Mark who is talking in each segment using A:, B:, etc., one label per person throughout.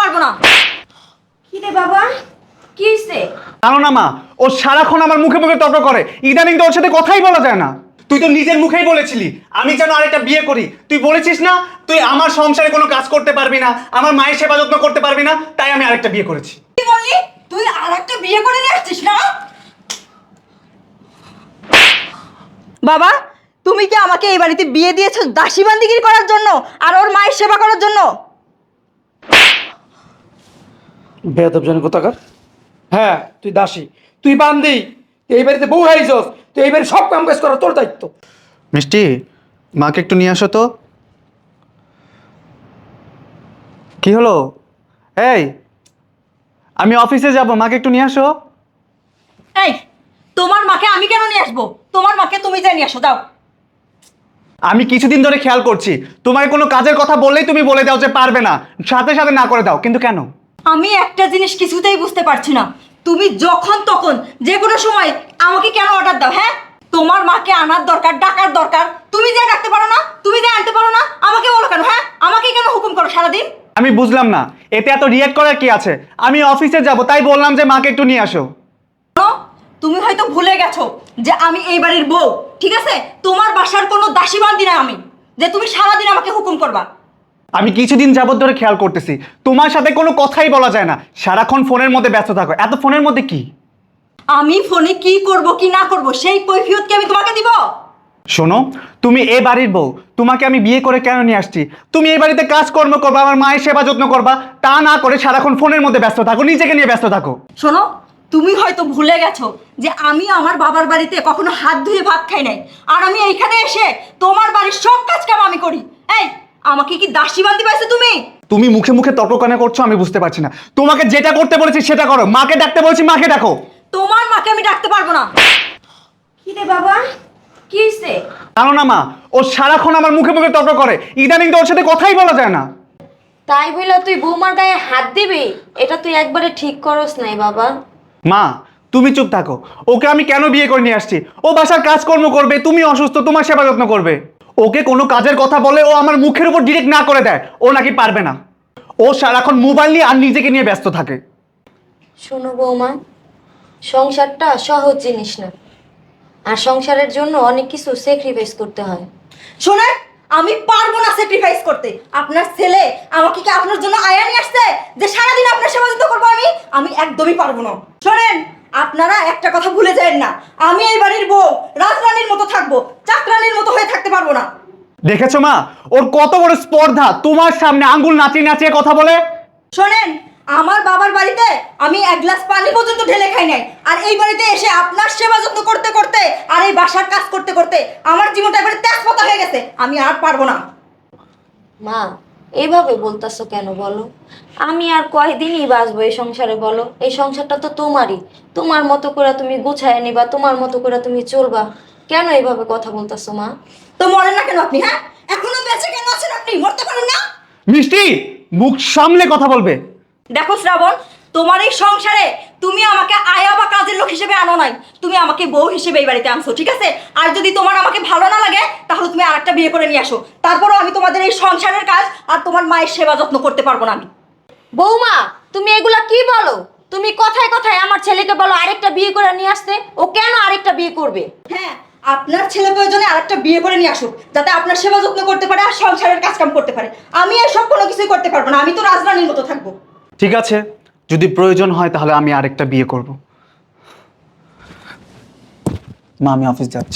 A: পারবো না। কি রে বাবা, কি হইছে?
B: জানো না মা, ও সারাক্ষণ আমার মুখে মুখে তর্ক করে। ইদানিং তো ওর সাথে কথাই বলা যায় না। তুই তো নিজের মুখেই বলেছিলি আমি যেন আরেকটা বিয়ে করি। তুই বলেছিস না তুই আমার সংসারে কোনো কাজ করতে পারবি না, আমার মায়ের সেবা যত্ন করতে পারবি না, তাই আমি আরেকটা বিয়ে করেছি।
A: কি বললি? তুই আরেকটা বিয়ে করে নিয়ে আসছিস না? বাবা, তুমি কি আমাকে এই বাড়িতে বিয়ে দিয়েছো দাসী বান্দিগিরি করার জন্য আর ওর মায়ের সেবা করার জন্য?
C: বেয়াদব জন কোথাকার। হ্যাঁ, তুই দাসী, তুই বান্দি, তুই এই বাড়িতে বউ হারিয়েছস, তুই এই বাড়ির সব কাম কাজ করা তোর দায়িত্ব।
B: মিষ্টি, মাকে একটু নিয়ে আসো তো। কি হলো? এই, আমি অফিসে যাব, মাকে একটু নিয়ে আসো।
A: এই, তোমার মাকে আমি কেন নিয়ে আসবো? তোমার মাকে তুমি যাই নিয়ে আসো, দাও।
B: আমি কিছুদিন ধরে খেয়াল করছি তোমার কোনো কাজের কথা বললেই তুমি বলে দাও যে পারবে না, সাথে সাথে না করে দাও, কিন্তু কেন?
A: আমি একটা জিনিস কিছুতেই বুঝতে পারছি না, তুমি যখন তখন যে কোনো সময় আমাকে কেন অর্ডার দাও? হ্যাঁ, তোমার মাকে আনার দরকার, ডাকার দরকার, তুমি যা ডাকতে পারো না, তুমি যা আনতে পারো না, আমাকে বলো কেন? হ্যাঁ, আমাকে কেন হুকুম করো সারাদিন?
B: আমি বুঝলাম না, এতে এত রিয়েক্ট করার কি আছে? আমি অফিসে যাব তাই বললাম যে মাকে একটু নিয়ে আসো।
A: শোনো, তুমি হয়তো ভুলে গেছো যে আমি এই বাড়ির বউ, ঠিক আছে? তোমার বাসার কোনো দাসী বান্দি না আমি, যে তুমি সারাদিন আমাকে হুকুম করবা।
B: আমি কিছুদিন যাবত ধরে খেয়াল করতেছি তোমার সাথে কোনো কথাই বলা যায় না, সারাক্ষণ ফোনের মধ্যে ব্যস্ত থাকো। এত ফোনের মধ্যে কি?
A: আমি ফোনে কি করব কি না করব সেই কৈফিয়ত কি আমি তোমাকে দিব?
B: শোনো, তুমি এ বাড়ির বউ, তোমাকে আমি বিয়ে করে কেন নিয়ে আসছি? তুমি এই বাড়িতে কাজকর্ম করবা, আমার মায়ের সেবা যত্ন করবা, তা না করে সারাক্ষণ ফোনের মধ্যে ব্যস্ত থাকো, নিজেকে নিয়ে ব্যস্ত থাকো।
A: শোনো, তুমি হয়তো ভুলে গেছো যে আমি আমার বাবার বাড়িতে কখনো হাত ধুয়ে ভাত খাই নাই, আর আমি এইখানে এসে তোমার বাড়ির সব কাজ কাম আমি করি। এই, আমাকে কি দাসী বান্দি পাইছো তুমি?
B: তুমি মুখে মুখে তর্ক কেন করছো আমি বুঝতে পারছি না। তোমাকে যেটা করতে বলেছি সেটা করো, মাকে ডাকতে বলেছি মাকে ডাকো।
A: তোমার মাকে আমি ডাকতে পারবো না। কি রে বাবা, কি হইছে?
B: জানো না মা, ও সারাক্ষণ আমার মুখে মুখে তর্ক করে। ইদানিং তো ওর সাথে কথাই বলা যায় না।
D: তাই বলে তুই বৌমার গায়ে হাত দিবি? এটা তুই একবারে ঠিক করস নাই বাবা।
B: মা, তুমি চুপ থাকো। ওকে আমি কেন বিয়ে করে নিয়ে আসছি? ও বাসার কাজকর্ম করবে, তুমি অসুস্থ, তোমার সেবা যত্ন করবে। ওকে কোনো কাজের কথা বলে ও আমার মুখের উপর ডিরেক্ট না করে দেয় ও নাকি পারবে না। ও সারাক্ষণ মোবাইল নিয়ে আর নিজেকে নিয়ে ব্যস্ত থাকে।
D: শোনো বৌমা, সংসারটা সহজ জিনিস না, আর সংসারের জন্য অনেক কিছু স্যাক্রিফাইস করতে হয়।
A: শোনেন, আমি পারবো না স্যাক্রিফাইস করতে। আপনার ছেলে আমাকে কি আপনার জন্য আয়া নিয়ে আসছে যে সারাদিন আপনার সেবা যত্ন করবো? আমি একদমই পারবো না। শোনেন, আপনারা একটা কথা ভুলে যাবেন না, আমি এই বাড়ির বউ রাজরানীর মতো থাকবো, চাকরানীর মতো হয়ে থাকতে পারবো না।
B: দেখেছো মা, ওর কত বড় স্পর্ধা, তোমার সামনে আঙ্গুল নাচিয়ে নাচিয়ে কথা বলে।
A: শোনেন, আমার বাবার বাড়িতে আমি এক গ্লাস পানি পর্যন্ত ঢেলে খাই নাই, আর এই বাড়িতে এসে আপনার সেবা যত্ন করতে করতে আর এই বাসার কাজ করতে করতে আমার জীবনটা এবারে তেজপাতা হয়ে গেছে। আমি আর পারবো না।
D: মা, এইভাবে বলতাছো কেন বলো? আমি আর কয়দিনই বাঁচবো এই সংসারে বলো? এই সংসারটা তো তোমারই, তোমার মতো করে তুমি গুছায় নিবা, তোমার মতো করে তুমি চলবা। কেন এইভাবে কথা বলতাছো মা?
A: তো মরেন না কেন আপনি? হ্যাঁ, এখনো বেঁচে কেন আছেন আপনি? মরতে পারেন না?
B: মিষ্টি, মুখ সামলে কথা বলবে।
A: দেখো শ্রাবণ, তোমার এই সংসারে তুমি আমাকে আয়া বা কাজের লোক হিসেবে আনো নাই, তুমি আমাকে বউ হিসেবে এই বাড়িতে আনছো, ঠিক আছে? আর যদি তোমার আমাকে ভালো না লাগে তাহলে তুমি আরেকটা বিয়ে করে নিয়ে আসো, তারপরও আমি তোমাদের এই সংসারের কাজ আর তোমার মায়ের সেবা যত্ন করতে পারবো না আমি।
D: বৌমা, তুমি এগুলা কি বলো? তুমি কথায় কথায় আমার ছেলেকে বলো আরেকটা বিয়ে করে নিয়ে আসতে। ও কেন আরেকটা বিয়ে করবে?
A: হ্যাঁ, আপনার ছেলে প্রয়োজনে আরেকটা বিয়ে করে নিয়ে আসুক, যাতে আপনার সেবা যত্ন করতে পারে আর সংসারের কাজ কাম করতে পারে। আমি এসব কোনো কিছুই করতে পারবো না, আমি তো রাজরানীর মতো থাকবো।
B: ঠিক আছে, যদি প্রয়োজন হয় তাহলে আমি আরেকটা বিয়ে করব। মা, আমি অফিস যাচ্ছি।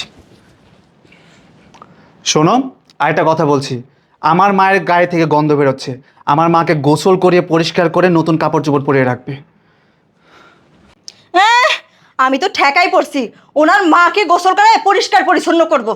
B: শোনো, আরেকটা কথা বলছি, আমার মায়ের গায়ে থেকে গন্ধ বেরোচ্ছে। আমার মাকে গোসল করিয়ে পরিষ্কার করে নতুন কাপড় চোপড় পরিয়ে রাখবে।
A: হ্যাঁ, আমি তো ঠেকাই পড়ছি, ওনার মাকে গোসল করে পরিষ্কার পরিচ্ছন্ন করবো।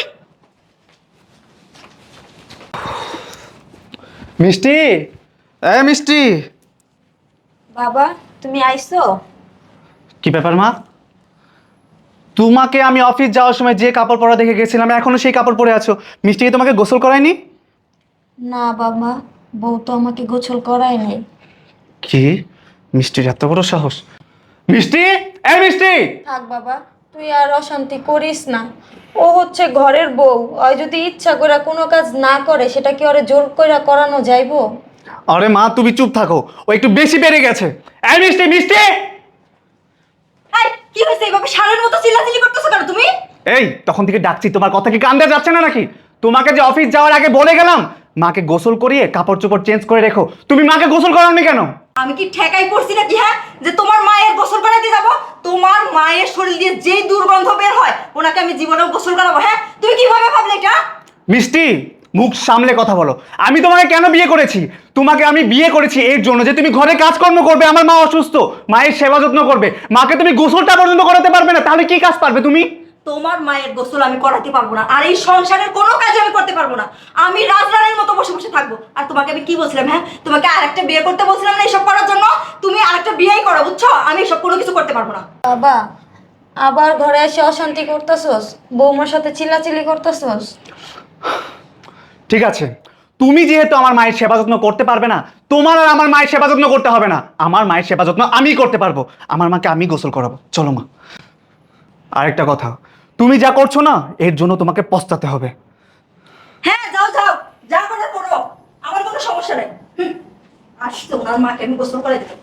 B: মিষ্টি, মিষ্টি।
D: বাবা, তুমি আইছো?
B: কি ব্যাপার মা? তোমাকে আমি অফিস যাওয়ার সময় যে কাপড় পরা দেখে গেছিলাম এখনো সেই কাপড় পরে আছো। মিষ্টি কি তোমাকে গোসল করায়নি?
D: না বাবা, বউ তো আমাকে গোসল করায় নাই।
B: কি? মিষ্টির এত বড় সাহস! মিষ্টি, এই মিষ্টি!
D: থাক বাবা, তুই আর অশান্তি করিস না। ও হচ্ছে ঘরের বউ, ওই যদি ইচ্ছা করে কোনো কাজ না করে সেটা কি ওরে জোর করে করানো যাইবো?
B: আরে মা তুমি চুপ থাকো, ও একটু বেশি বেড়ে গেছে। এই মিষ্টি মিষ্টি,
A: এই কি হয়েছে এইভাবে সারের মতো চিল্লাচিল্লি করতেছো কেন তুমি?
B: এই তখন থেকে ডাকছি, তোমার কথা কি কান দিয়ে যাচ্ছে না নাকি? তোমাকে যে অফিস যাওয়ার আগে বলে গেলাম মাকে গোসল করিয়ে কাপড় চোপড় চেঞ্জ করে রেখো, তুমি মাকে গোসল করাওনি কেন?
A: আমি কি ঠেকাই পড়ছি নাকি হ্যাঁ, যে তোমার মায়ের গোসল করাতে যাব? তোমার মায়ের শরীর দিয়ে যেই দুর্গন্ধ বের হয় ওনাকে আমি জীবনেও গোসল করাবো? হ্যাঁ তুমি কিভাবে ভাবলে এটা?
B: মিষ্টি মুখ সামলে কথা বলো। আমি তোমাকে কেন বিয়ে করেছি? তোমাকে আমি বিয়ে করেছি এর জন্য যে তুমি ঘরে কাজকর্ম করবে, আমার মা অসুস্থ, মায়ের সেবা যত্ন করবে। মাকে তুমি গোসলটা পর্যন্ত করাতে পারবে না, তাহলে কি কাজ পারবে তুমি?
A: তোমার মায়ের গোসল আমি করাতে পারবো না, আর এই সংসারের কোনো কাজ আমি করতে পারবো না। আমি রাজরানীর মতো বসে বসে থাকবো। আর তোমাকে আমি কি বলছিলাম? হ্যাঁ তোমাকে আরেকটা বিয়ে করতে বলছিলাম না এইসব করার জন্য? তুমি আরেকটা বিয়েই করো, বুঝছো? আমি এসব কোনো কিছু করতে পারবো না।
D: বাবা, আবার ঘরে এসে অশান্তি করতেছস, বৌমার সাথে চিল্লাচিল্লি করতেছস।
B: ঠিক আছে, তুমি যেহেতু আমার মায়ের সেবা যত্ন করতে পারবে না, তোমার আর আমার মায়ের সেবা যত্ন করতে হবে না। আমার মায়ের সেবা যত্ন আমি করতে পারবো, আমার মাকে আমি গোসল করাবো। চলো মা। আরেকটা কথা, তুমি যা করছো না এর জন্য তোমাকে পস্তাতে হবে।
A: হ্যাঁ যাও যাও, যা করার করো, আমার কোনো সমস্যা নেই। আসতো ওনার মাকে আমি গোসল করে দেবো।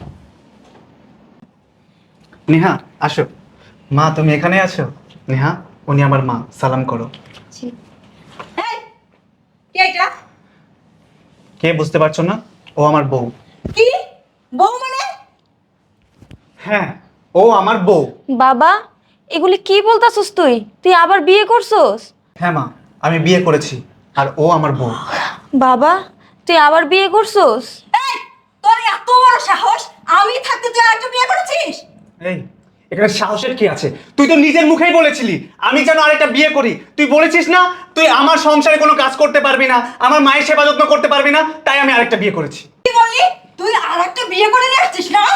B: নেহা আসো। মা তুমি এখানে আছো? নেহা উনি আমার মা, সালাম করো।
A: এই, কে এটা?
B: কে বুঝতে পারছো না? ও আমার বউ।
A: কি বউ মানে?
B: হ্যাঁ ও আমার বউ।
D: বাবা, এগুলি কি বলতাছস? তুই তুই আবার বিয়ে করছস?
B: হ্যাঁ মা, আমি বিয়ে করেছি আর ও আমার বউ।
D: বাবা, তুই আবার বিয়ে করছস?
A: এই তোর এত বড় সাহস, আমি থাকতে তুই আরেকটা বিয়ে করেছিস?
B: এই এখানে সাহসের কি আছে? তুই তো নিজের মুখেই বলেছিলি আমি যেন আরেকটা বিয়ে করি। তুই বলেছিস না তুই আমার সংসারে কোনো কাজ করতে পারবি না, আমার মায়ের সেবা যত্ন করতে পারবি না, তাই আমি আরেকটা বিয়ে করেছি।
A: কি বললি? তুই আরেকটা বিয়ে করে নিয়ে আসছিস না?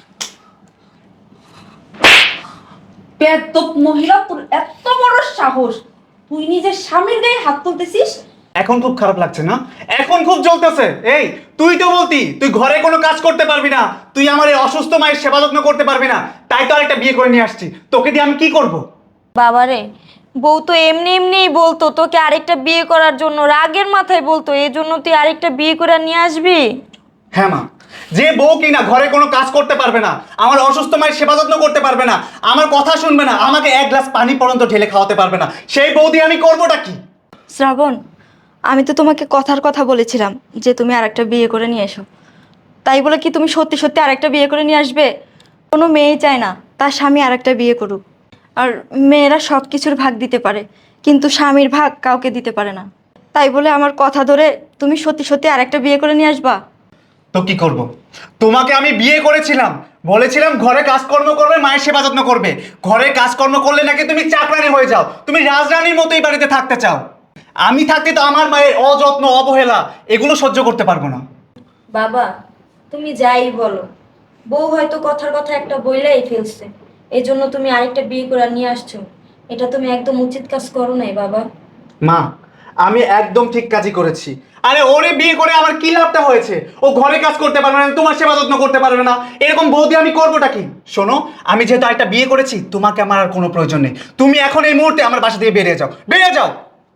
A: বেয়াদব মহিলা, তোর এত বড় সাহস, তুই নিজের স্বামীর গায়ে হাত তুলতেছিস?
B: এখন খুব খারাপ লাগছে না? এখন খুব জ্বলতেছে। এই তুই তো বলতি তুই ঘরে কোনো কাজ করতে পারবি না, তুই আমার এই অসুস্থ মায়ের সেবা যত্ন করতে পারবি না, তাই তো আরেকটা বিয়ে করে নিয়ে আসছি। তোকে দিয়ে আমি কি করব?
D: বাবারে, বউ তো এমনি এমনিই বলতো তোকে আরেকটা বিয়ে করার জন্য, রাগের মাথায় বলতো, এই জন্য তুই আরেকটা বিয়ে করে নিয়ে আসবি?
B: হ্যাঁ মা, যে বউ কিনা ঘরে কোনো কাজ করতে পারবে না, আমার অসুস্থ মায়ের সেবা যত্ন করতে পারবে না, আমার কথা শুনবে না, আমাকে এক গ্লাস পানি পর্যন্ত ঢেলে খাওয়াতে পারবে না, সেই বউ দিয়ে আমি করবোটা কি?
A: শ্রাবণ, আমি তো তোমাকে কথার কথা বলেছিলাম যে তুমি আরেকটা বিয়ে করে নিয়ে এসো। তাই বলে কি তুমি সত্যি সত্যি আরেকটা বিয়ে করে নিয়ে আসবে? কোনো মেয়েই চায় না তার স্বামী আরেকটা বিয়ে করুক। আর মেয়েরা সব কিছুর ভাগ দিতে পারে, কিন্তু স্বামীর ভাগ কাউকে দিতে পারে না। তাই বলে আমার কথা ধরে তুমি সত্যি সত্যি আরেকটা বিয়ে করে নিয়ে আসবা?
B: তো কি করব? তোমাকে আমি বিয়ে করেছিলাম, বলেছিলাম ঘরে কাজকর্ম করবে, মায়ের সেবা যত্ন করবে। ঘরে কাজকর্ম করলে নাকি তুমি চাকরানি হয়ে যাও, তুমি রাজরানীর মতোই বাড়িতে থাকতে চাও। আমি থাকতে তো আমার মায়ের অযত্ন অবহেলা এগুলো সহ্য করতে পারবো না।
D: বাবা, তুমি যাই বলো, বউ হয়তো কথার কথা একটা বইলাই ফেলছে, এই জন্য তুমি আরেকটা বিয়ে করে নিয়ে আসছো। এটা তুমি একদম উচিত কাজ করো নাই বাবা।
B: মা আমি একদম ঠিক কাজই করেছি। আরে ওরে বিয়ে করে আমার কি লাভটা হয়েছে? ও ঘরে কাজ করতে পারবে না, তোমার সেবা যত্ন করতে পারবে না, এরকম বৌদি আমি করবোটা কি? শোনো, আমি যেহেতু একটা বিয়ে করেছি তোমাকে আমার আর কোনো প্রয়োজন নেই। তুমি এখন এই মুহূর্তে আমার বাসা থেকে বেরিয়ে যাও, বেরিয়ে যাও।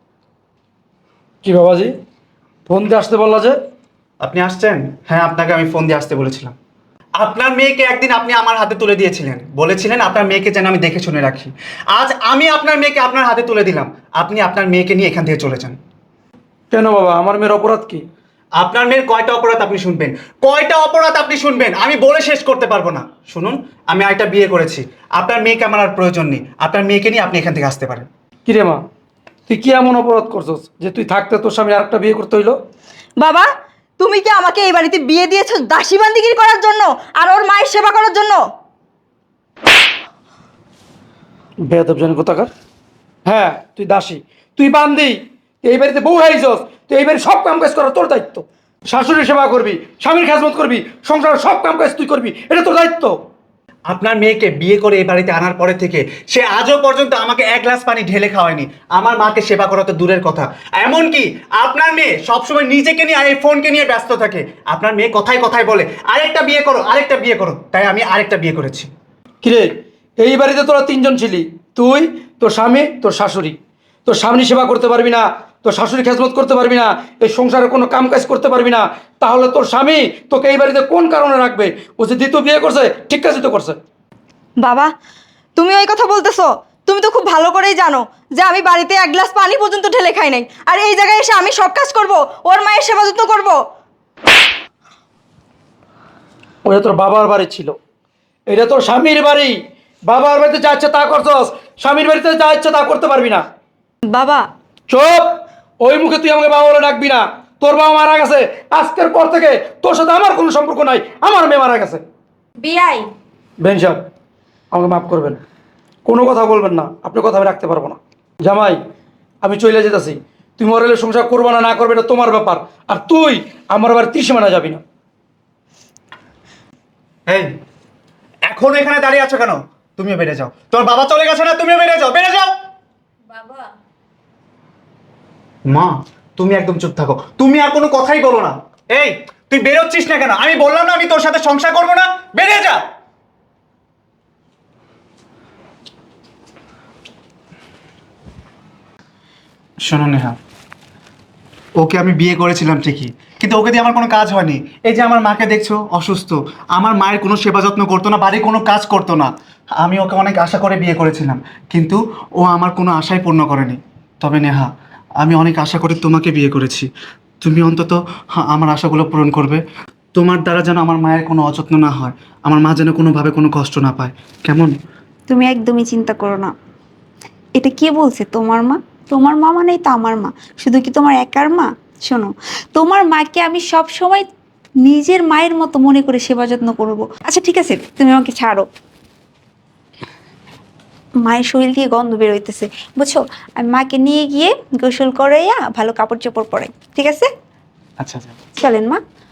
C: কি বাবাজি, ফোন দিয়ে আসতে বললা যে?
B: আপনি আসছেন? হ্যাঁ আপনাকে আমি ফোন দিয়ে আসতে বলেছিলাম। আপনার মেয়েকে একদিন আপনি আমার হাতে তুলে দিয়েছিলেন, বলেছিলেন আপনার মেয়েকে যেন আমি দেখে শুনে রাখি। আজ আমি আপনার মেয়েকে আপনার হাতে তুলে দিলাম, আপনি আপনার মেয়েকে নিয়ে এখান থেকে চলে যান।
C: কেন বাবা, আমার মেয়ের অপরাধ কি?
B: আপনার মেয়ের কয়টা অপরাধ আপনি শুনবেন? কয়টা অপরাধ আপনি শুনবেন? আমি বলে শেষ করতে পারবো না। শুনুন, আমি আরেকটা বিয়ে করেছি, আপনার মেয়েকে আমার আর প্রয়োজন নেই। আপনার মেয়েকে নিয়ে আপনি এখান থেকে আসতে পারেন।
C: কি রে মা, তুই কি এমন অপরাধ করছস যে তুই থাকতে তোর স্বামী আরেকটা বিয়ে করতে হইলো?
A: বাবা, তুমি কি আমাকে এই বাড়িতে বিয়ে দিয়েছো দাসী বান্দিগিরি করার জন্য আর ওর মায়ের সেবা করার জন্য?
C: বেয়াদব জানি কোথাকার। হ্যাঁ তুই দাসী, তুই বান্দি, তুই এই বাড়িতে বউ হারিয়েছস, তুই এই বাড়ির সব কাম কাজ করা তোর দায়িত্ব। শাশুড়ির সেবা করবি, স্বামীর খেজমত করবি, সংসারের সব কাম কাজ তুই করবি, এটা তোর দায়িত্ব।
B: আপনার মেয়েকে বিয়ে করে এই বাড়িতে আনার পরে থেকে সে আজও পর্যন্ত আমাকে এক গ্লাস পানি ঢেলে খাওয়ায়নি, আমার মাকে সেবা করা তো দূরের কথা। এমনকি আপনার মেয়ে সবসময় নিজেকে নিয়ে আর এই ফোনকে নিয়ে ব্যস্ত থাকে। আপনার মেয়ে কথায় কথায় বলে আরেকটা বিয়ে করো, আরেকটা বিয়ে করো, তাই আমি আরেকটা বিয়ে করেছি।
C: কিরে, এই বাড়িতে তোরা তিনজন ছিলি, তুই, তোর স্বামী, তোর শাশুড়ি। তোর স্বামী সেবা করতে পারবি না, তোর শাশুড়ি খেজমত করতে পারবি না, এই সংসারে কোনো কাম কাজ করতে পারবি না, তাহলে তোর স্বামী তোকে এই বাড়িতে কোন কারণে রাখবে? ও যে দ্বিতীয় বিয়ে করছে ঠিক কাজই তো করছে।
A: বাবা, তুমি ওই কথা বলতেছো? তুমি তো খুব ভালো করেই জানো যে আমি বাড়িতে এক গ্লাস পানি পর্যন্ত ঢেলে খাই নাই, আর এই জায়গায় এসে আমি সব কাজ করব, ওর মায়ের সেবা যত্ন করব।
C: ওটা তোর বাবার বাড়ি ছিল, এটা তোর স্বামীর বাড়ি। বাবার বাড়িতে যা ইচ্ছে তা করছস, স্বামীর বাড়িতে যা ইচ্ছে তা করতে পারবি না।
A: বাবা,
C: চুপ! ওই মুখে তুই আমাকে বাবা বলে ডাকবি না। তোর বাবা মারা গেছে, আজকের পর থেকে তোর সাথে আমার কোনো সম্পর্ক নাই, আমার মেয়ে মারা গেছে।
D: বিয়াই,
C: বেন সাহেব, আমাকে মাফ করবেন, কোনো কথা বলবেন না, আপনার কথা আমি রাখতে পারবো না। জামাই, আমি চলে যেতেছি, তুই মরেলে সংসার করবো না না করবে না তোমার ব্যাপার, আর তুই আমার আবার ত্রিসীমানা যাবি না।
B: এই, এখন এখানে দাঁড়িয়ে আছো কেন? তুমিও বেড়ে যাও। তোর বাবা চলে গেছে না, তুমিও বেড়ে যাও, বেড়ে যাও।
D: বাবা,
B: মা, তুমি একদম চুপ থাকো, তুমি আর কোনো কথাই বলো না। এই, তুই বেরোচ্ছিস না কেন? আমি বললাম না আমি তোর সাথে সংসার করবো না, বেরিয়ে যা। শোনো নেহা, ওকে আমি বিয়ে করেছিলাম ঠিকই, কিন্তু ওকে দিয়ে আমার কোনো কাজ হয়নি। এই যে আমার মাকে দেখছো অসুস্থ, আমার মায়ের কোনো সেবা যত্ন করতো না, বাড়ির কোনো কাজ করতো না। আমি ওকে অনেক আশা করে বিয়ে করেছিলাম, কিন্তু ও আমার কোনো আশাই পূর্ণ করেনি। তবে নেহা, আমি অনেক আশা করে তোমাকে বিয়ে করেছি, তুমি অন্তত আমার আশাগুলো পূরণ করবে। তোমার দ্বারা যেন আমার মায়ের কোনো অযত্ন না হয়, আমার মা যেন কোনোভাবে কোনো কষ্ট না পায়, কেমন?
E: তুমি একদমই চিন্তা করো না। এটা কে বলছে তোমার মা? তোমার মা মানেই তো আমার মা। শুধু কি তোমার একার মা? শোনো, তোমার মাকে আমি সব সময় নিজের মায়ের মতো মনে করে সেবা যত্ন করব। আচ্ছা ঠিক আছে, তুমি আমাকে ছাড়ো। মায়ের শরীর দিয়ে গন্ধ বের হইতেছে, বুঝছো? আমি মাকে নিয়ে গিয়ে গোসল করাইয়া ভালো কাপড় চোপড় পরাই, ঠিক আছে?
B: আচ্ছা আচ্ছা।
E: চলেন মা।